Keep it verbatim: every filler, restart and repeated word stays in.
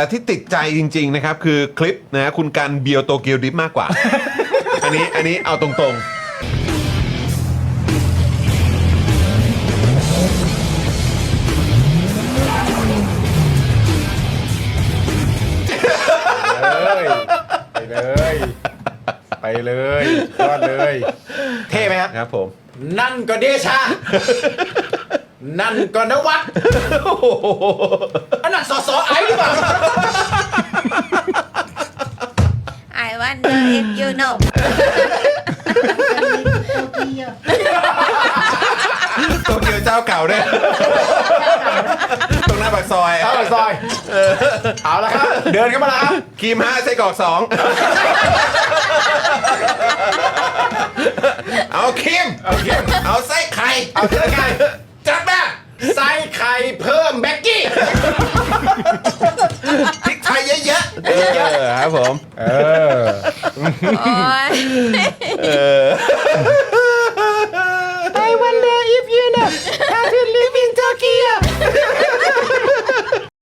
แต่ที่ติดใจจริงๆนะครับคือคลิปนะคุณกันเบียวโตเกียวดิฟมากกว่า อันนี้อันนี้เอาตรงๆไปเลยไปเลยยอดเลยเท่ไหมครับครับผมนั่นก็เดชา นั่นก็นวัดอันนั้นสอสอไอ้หรือเปล่า I wonder if you know โตเกียวเจ้าเก่าด้วย ตรงหน้าปากซอยเอาซอยเอาละครับเดินเข้ามาแล้วครับครีมห้าไส้กรอกสองเอาครีมเอาครีมเอาไส้ไข่เอาเสื้อไก่จัดมาใส่ไข่เพิ่มแบ็กกี้พริกไทยเยอะๆเออครับผมเออโอ้ย